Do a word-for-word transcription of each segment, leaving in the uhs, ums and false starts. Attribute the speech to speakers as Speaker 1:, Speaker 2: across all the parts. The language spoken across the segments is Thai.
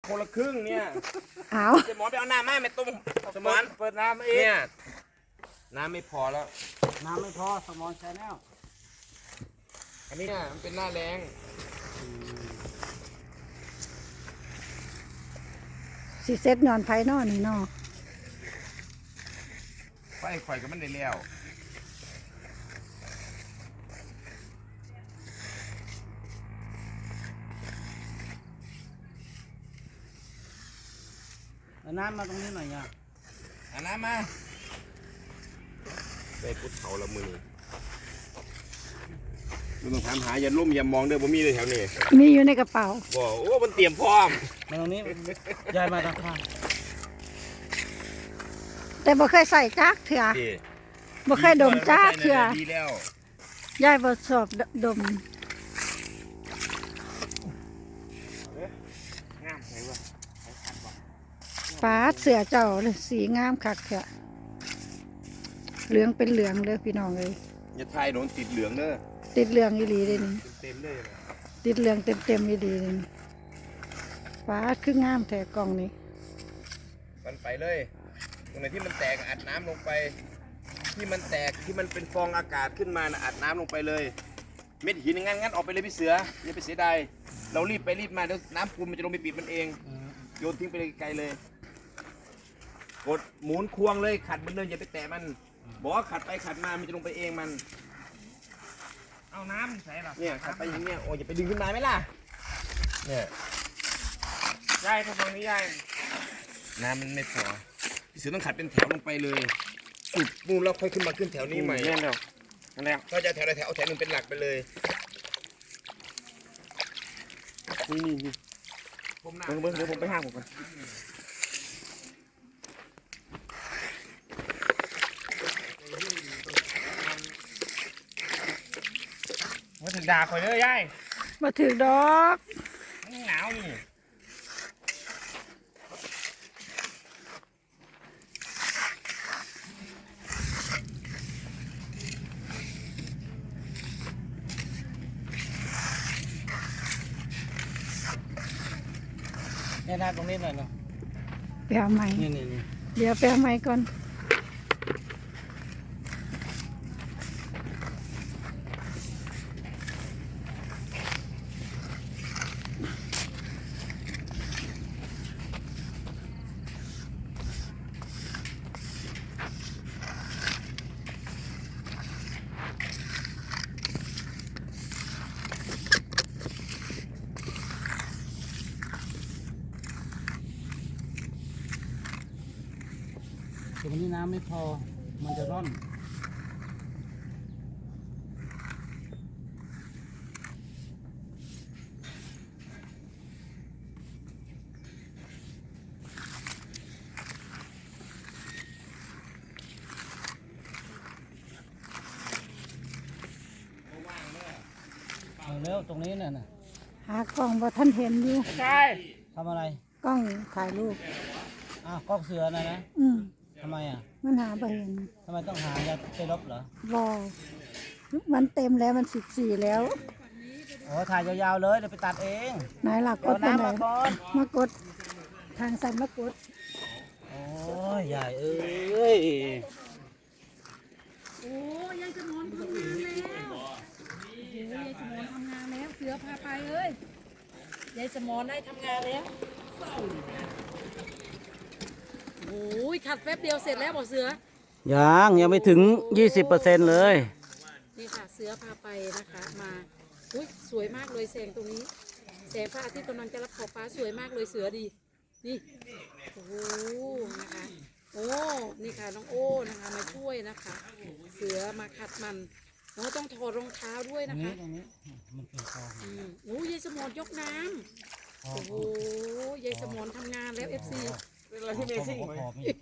Speaker 1: คนละครึ่งเนี่ย
Speaker 2: เอา
Speaker 1: สมอนไปเอาน้ำมาไม่ต้มสมอนเปิดน้ำมาเองเนี่ยน้ำไม่พอแล้ว
Speaker 3: น้ำไม่พอสมอนใช้แล้ว
Speaker 1: อันนี้เนี่ยมันเป็นหน้าแรง
Speaker 2: สิเซ็ตนอนไผ่นอนนี่นอ
Speaker 1: ไฟไฟก็มันได้แล้ว
Speaker 3: เอาน้ำมาตรงนี้หน่อยเนี่ย
Speaker 1: เอาน้ำมาได้พุทธเขาละมือไม่ต้องถามหาอย่าลุ่มอย่ามองเด้อบ่มีเลยแถวนี้
Speaker 2: มีอยู่ในกระเป๋า
Speaker 1: บอกโอ้มันเตรียมพร้อม
Speaker 3: มาตรงนี้ยายมาทางข้าง
Speaker 2: แต่บ่เคยใส่จักเถื่อบ่เคยดมจักเถื่อยายบ่ชอบดมฟ้าเสือเจ้าเลยสีงามคักเถื่อเหลืองเป็นเหลืองเลยพี่น้องเลย
Speaker 1: อย่าทายโดนติดเหลืองเด้อ
Speaker 2: ติดเหลืองอีหลีเลยนี่
Speaker 1: เต็มเลย
Speaker 2: ติดเหลืองเต็มเต็มอีหลีเลยฟ้าคืองามแท้กล่องนี้
Speaker 1: มันไปเลยตรงไหนที่มันแตกอัดน้ำลงไปที่มันแตกที่มันเป็นฟองอากาศขึ้นมานะอัดน้ำลงไปเลยเม็ดหินงั้นงั้นออกไปเลยพี่เสืออย่าไปเสียดายเรารีบไปรีบมาเดี๋ยวน้ำปูนมันจะลงไปปิดมันเองโยนทิ้งไปไกลเลยกดหมุนควงเลยขัดมันเลยอย่าไปแตะมันบอกว่าขัดไปขัดมามันจะลงไปเองมัน
Speaker 3: เอาน้ำใส่หรอ
Speaker 1: เนี่ยขัดไปอย่างเนี้ยโอ้ยอย่าไปดึงขึ้นมาไหมล่ะเนี่ย
Speaker 3: ยายตรงนี้ยาย
Speaker 1: น้ำมันไม่พอพี่เสือต้องขัดเป็นแถวลงไปเลยสุดนู่นแล้วค่อยขึ้นมาขึ้นแถวนี้ใหม่
Speaker 3: แน่นแล้วนั่นแล้ว
Speaker 1: ก็จะแถวใดแถวเอาแถวนึงเป็นหลักไปเลย
Speaker 3: นี่นี่นี่เบิ้งเบิ้งเดี๋ยวผมไปห้างผมก่อนมาถึงด่าคอยเลยยาย
Speaker 2: มาถึงดอก
Speaker 3: หนาวนี่เนี่ยนาตรงนี้หน่อยเนาะ
Speaker 2: ไปเอาไม้
Speaker 3: นี่นี่นี่
Speaker 2: เดี๋ยวไปเอาไม้ก่อน
Speaker 3: แต่วันนี้น้ำไม่พอมันจะร่อนเอาเร็วตรงนี้น่ะนะ
Speaker 2: หากล้องบ่ท่านเห็นอยู่
Speaker 3: ใช่ทำอะไร
Speaker 2: กล้องถ่ายรูป
Speaker 3: อ้าวกล้องเสือนะนะ
Speaker 2: อืม
Speaker 3: ทำไมอ่ะ
Speaker 2: มันหาบ่เห็น
Speaker 3: ทำไมต้องหาจะไปลบเหรอ
Speaker 2: บ่มันเต็มแล้วมันสิบสี่แล้ว
Speaker 3: โอ้ถ่ายยาวๆเลยเดี๋ยวไปตัดเอง
Speaker 2: ไหนหลักกดไปไหนมากดทางสันมากด
Speaker 3: โอ้ยใหญ่เอ้ย
Speaker 4: โอ้ยายสมอนทำงานแล้วโอ้ยายสมอนทำงานแล้วเสือพาไปเอ้ยยายสมอนได้ทำงานแล้วโอ้ยขัดแป๊บเดียวเสร็จแล้วบอกเสือ
Speaker 3: ยังยังไม่ถึง ยี่สิบเปอร์เซ็นต์ เลย
Speaker 4: นี่ค่ะเสือพาไปนะคะมาอุ้ยสวยมากเลยแสงตรงนี้แสงพระอาทิตย์กำลังจะรับขอบฟ้าสวยมากเลยเสือดีนี่โอ้นะคะโอ้นี่ค่ะน้องโอ้นะคะมาช่วยนะคะเสือมาขัดมันน้องต้องถอดรองเท้าด้วยนะคะ
Speaker 3: ตรงนี้มันเป็นคลอง
Speaker 4: อืมโอ้ยายสมอนยกน้ำโอ้โหยายสมอนทำงานแล้วเอฟซี
Speaker 3: เป็นอะไรที่เมซิ่งไหม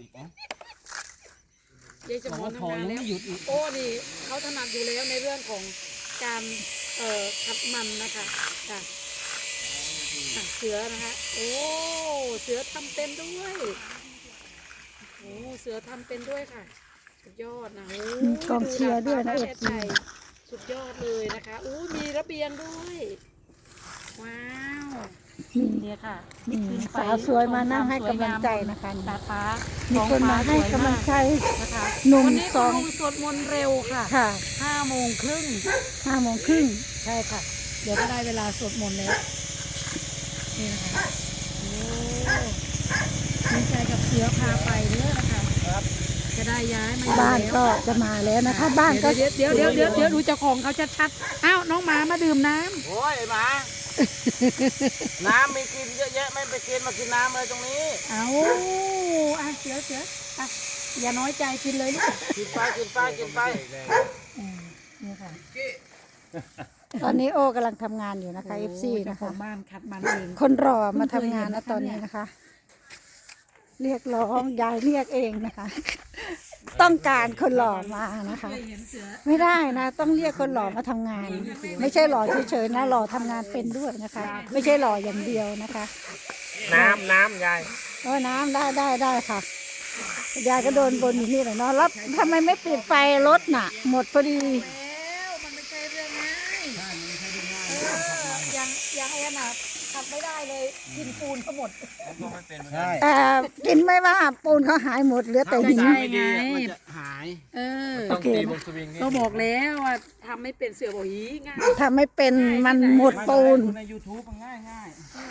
Speaker 4: ยายสมอนทำงานแล้วโอ้นี่เขาถนัดอยู่แล้วในเรื่องของการเอ่อขัดมันนะคะค่ะเสือนะคะโอ้เสือทำเป็นด้วยโอ้เสือทำเป็นด้วยค่ะสุดยอดนะโอ้
Speaker 2: กองเชียร์ด้วยนะเอฟซี
Speaker 4: สุดยอดเลยนะคะอู้มีระเบียงด้วยว้าวเนี่ยค่ะ
Speaker 2: นี่
Speaker 4: ขึ้นไป
Speaker 2: สาวสวยมานั่งให้
Speaker 4: ช
Speaker 2: กำลังใจนะคะ
Speaker 4: ดาดฟ้า
Speaker 2: มี
Speaker 4: ท้อง
Speaker 2: คน
Speaker 4: ฟ้
Speaker 2: มาให้
Speaker 4: สวย
Speaker 2: กำลังใจ
Speaker 4: นะคะ
Speaker 2: หนุ่ม
Speaker 4: วันนี้
Speaker 2: สอง
Speaker 4: คุณลุงสวดมนต์เร็วค่ะ
Speaker 2: ค่ะ
Speaker 4: ห้าโมงครึ่ง
Speaker 2: ห้าโมงครึ่ง
Speaker 4: ใช่ค่ะ เดี๋ยวก็ได้เวลาสวดมนต์แล้วนี่นะคะโอ้ดีใจกับเสือพาไปเด้อนะคะจะได้ย้ายมาอยู่
Speaker 2: บ้าน
Speaker 4: แล้ว
Speaker 2: ก็จะมาแล้วนะคะ บ้านก็
Speaker 4: เดี๋ยวเดี๋ยวเดี๋ยวเดี๋ยวเดี๋ยวดูเจ้าของเขาชัดๆอ้าวน้องหมามาดื่มน้ำ
Speaker 3: โอ้ยไอ้หมา น้ำมีกินเยอะแยะไม่ไปกินมากินน้ำเลยตรงนี้
Speaker 4: เอาอ่ะเสือเสืออ่ะอย่าน้อยใจกินเลยลูก
Speaker 3: กินไปกินไปกินไป
Speaker 4: อืมนี่ค่ะ
Speaker 2: ตอนนี้โอ้กำลังทำงานอยู่นะคะ เอฟ ซี
Speaker 4: โอ้ยเจ้า
Speaker 2: นะ
Speaker 4: ขอ
Speaker 2: คะ
Speaker 4: งบ้านขัดมันเอง
Speaker 2: คนรอมาทำงานนะตอนนี้นะคะ เรียกร้องยายเรียกเองนะคะ ต้องการคนหล่อมานะคะ
Speaker 4: เคยเห็นเสือ
Speaker 2: ไม่ได้นะ ต้องเรียกคนหล่อมาทำงาน ไม่ใช่หล่อเฉยๆนะหล่อทำงานเป็นด้วยนะคะ ไม่ใช่หล่ออย่างเดียวนะคะ
Speaker 3: น้ำน้ำยาย
Speaker 2: โอ้ยน้ำได้ได้ได้ค่ะยายก็โดนบนอยู่นี่แหละเนาะแล้วทำไมไม่ปิดไฟรถน่ะ หมดพอดี
Speaker 4: แล้วมันไม่ใช่เรื่องง่ายเอออย่างอย่างไอ้น่ะขับไม่ได้เลยกินปูนเขาหมด
Speaker 3: ใช่
Speaker 2: แต่กินไม่ว่าปูนเขาหายหมดเหลือแต่หิน
Speaker 4: ใช่ไง
Speaker 3: มันจะหาย
Speaker 4: เออ
Speaker 2: โอเค
Speaker 4: ก็บอกแล้วว่าทำไม่เป็นเสือบอกหีง่าย
Speaker 2: ทำไม่เป็นมันหมดปูน
Speaker 3: ใน ยูทูบ มันง่ายง่าย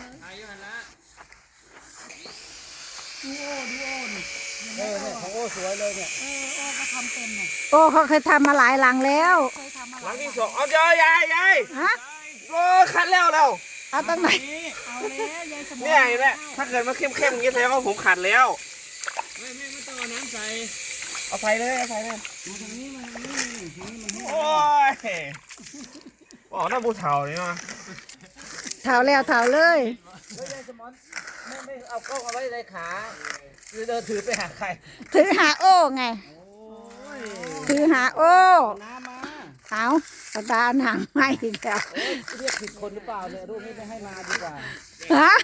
Speaker 4: ดูโอ้ดูโอ้นี่
Speaker 3: เออเนี่ยของโอ้สวยเลยเนี่ย
Speaker 4: เออโอ้ก็ทำเป็นน่ะ
Speaker 2: โอ้เขาเคยทำมาหลายหลังแล้ว
Speaker 4: เคยทำมา
Speaker 3: ห
Speaker 4: ห
Speaker 3: ลั
Speaker 4: ลาง ย
Speaker 3: ที่สองเอาเจอยายยาย
Speaker 2: ฮะ
Speaker 3: โอ้คัดแล้วแล้ว
Speaker 2: เอาตั้งไหน
Speaker 4: เอาแล้วยายสมอง
Speaker 3: เนี่ยเห็นไหมถ้าเกิดมันเข้มเข้มๆอย่างนี้แสดงว่าผมขัดแล้วไม่ไม่ไม่ต้องเอาน้ำใส่เอาใส่เลยเอาใส่เลยโอ้ยบอกน่าบูเถาเลยเนาะ
Speaker 2: เท้าแล้วเท้าเลย
Speaker 3: แล้วยายสมอนไม่ไม่เอากล้องเอาไว้ในขาคือเดินถือไปหาใคร
Speaker 2: ถือหาโอ้ไง ถือหาโอ้
Speaker 3: น้ำมา
Speaker 2: เอากระดานหางไม่อีกแล้ว
Speaker 3: โอ้ยเรียกผิดคนหรือเปล่าเนี่ยรูปนี้ไม่ให้มาดีกว่า
Speaker 2: ฮะ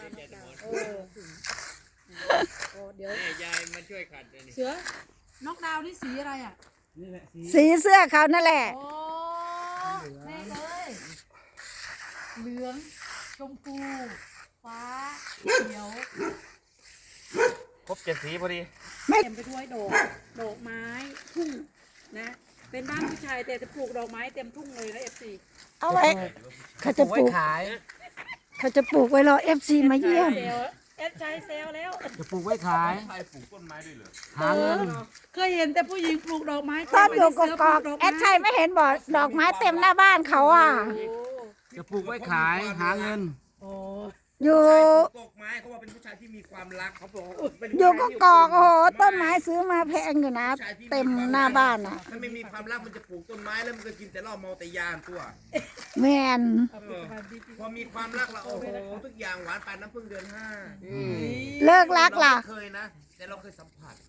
Speaker 4: โอ้เดี๋ยวยายมาช่วยขัดเสือนอกดาวนี่สีอะไรอ่ะ
Speaker 3: นี่แหละสี
Speaker 2: สีเสื้อเขานั่นแหละ
Speaker 4: โอ้แน่เลยเหลืองชมพูฟ้าเขียว
Speaker 3: ครบเจ็ดสีพอดี
Speaker 2: ไม่
Speaker 4: เต็มไปด้วยดอกดอกไม้ทุ่งนะเป็นบ้านผู้ชายแต่จะปลูกดอกไม้เต็มทุ่งเลยนะเอฟซี
Speaker 2: เอาไว้เขาจะป
Speaker 3: ไว้
Speaker 2: ลูก
Speaker 3: ขาย
Speaker 2: เขาจะปลูกไว้รอเอฟซีมาเยี่ยม
Speaker 4: เซลเอฟชายเซลแล้ว
Speaker 3: จะปลูกไว้ขาย
Speaker 1: ใครปลูกต้นไม้ด้วยเหรอ
Speaker 3: หาเงิน
Speaker 4: เคยเห็นแต่ผู้หญิงปลูกดอกไม้
Speaker 2: ตอนอยู่ก
Speaker 4: เสื
Speaker 2: กอก
Speaker 4: ปลู
Speaker 2: ๆแอดชัยไม่เห็นบอกดอกไม้เต็มหน้าบ้านเขาอ่ะ
Speaker 4: โอ้
Speaker 3: จะปลูกไว้ขายหาเงิน
Speaker 4: โอ้
Speaker 2: อยู่
Speaker 1: ตกไม้เขาว่าเป็นผู้ชายที่มีความรักเขาบอกเป็น
Speaker 2: อยู่กกอกโอ้โหต้นไม้ซื้อมาแพงอยู่นะ เต็มหน้าบ้านอ่ะ
Speaker 1: ถ้าไม่มีความรักมันจะปลูกต้นไม้แล้วมันก็กินแต่เหล้าเมาแต่ยานตัว
Speaker 2: แมน
Speaker 1: พอมีความรักแล้วโอ้โหทุกอย่างหวานปานน้ำพึ่งเดือนห้า
Speaker 2: เลิกรักล่ะ
Speaker 1: เราไม่เคยนะ แต่เราเคยสัมผัส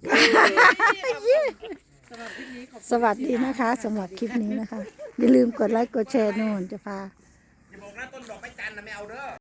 Speaker 4: สำหรับคลิปนี้ขอบคุณ
Speaker 2: สวัสดีนะคะสำหรับคลิปนี้นะคะ อย่าลืมกดไลค์กดแชร์โน่นจะพา
Speaker 1: อย่าบอกนะต้นดอกไม้จันทร์นะไม่เอาเด้อ